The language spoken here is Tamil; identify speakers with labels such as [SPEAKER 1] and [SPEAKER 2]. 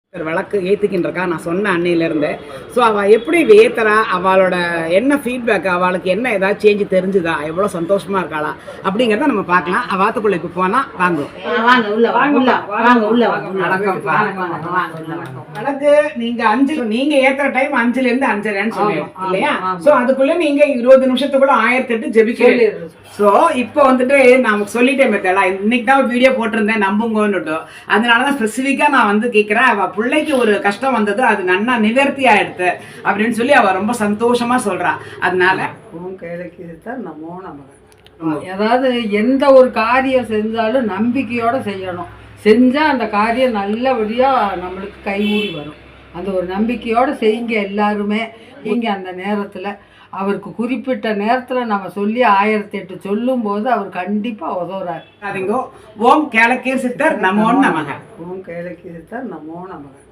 [SPEAKER 1] விளக்கு ஏற்றிக்கின்னு நான் சொன்ன அன்னையிலேருந்து. ஸோ அவள் எப்படி ஏற்றுறா, அவளோட என்ன ஃபீட்பேக், அவளுக்கு என்ன ஏதாவது சேஞ்சு தெரிஞ்சுதா, எவ்வளோ சந்தோஷமாக இருக்காளா அப்படிங்கிறத நம்ம பார்க்கலாம். வாத்துக்குள்ளே இப்போ போனால் வாங்குவோம். விளக்கு நீங்கள் 5 நீங்கள் ஏற்றுற டைம் 5லேருந்து 5:30 சொல்லுவோம் இல்லையா? ஸோ அதுக்குள்ளே நீங்கள் 20 நிமிஷத்துக்குள்ள 1008 ஜெபிக்க. ஸோ இப்போ வந்துட்டு நான் சொல்லிட்டேன் மெத்தடா, இன்னைக்கு தான் வீடியோ போட்டிருந்தேன் நம்புங்கன்னுட்டு. அதனால தான் ஸ்பெசிஃபிக்காக நான் வந்து கேட்குறேன். அவள் பிள்ளைக்கு ஒரு கஷ்டம் வந்தது, அது நன்னா நிவர்த்தி ஆயிடுது அப்படின்னு சொல்லி அவள் ரொம்ப சந்தோஷமா சொல்றா. அதனால
[SPEAKER 2] நமோ நமக. அதாவது எந்த ஒரு காரியம் செஞ்சாலும் நம்பிக்கையோட செய்யணும். செஞ்சா அந்த காரியம் நல்லபடியா நம்மளுக்கு கைகூடி வரும். அந்த ஒரு நம்பிக்கையோட செய்யுங்க எல்லாருமே. நீங்க அந்த நேரத்துல அவருக்கு குறிப்பிட்ட நேரத்தில் நம்ம சொல்லி 1008 சொல்லும் போது அவர் கண்டிப்பாக உதவுறாரு.
[SPEAKER 1] ஓம் கேளக்கீர் சித்தர் நமோ நமக.
[SPEAKER 2] ஓம் கேளக்கீர் சித்தர் நமோ நமக.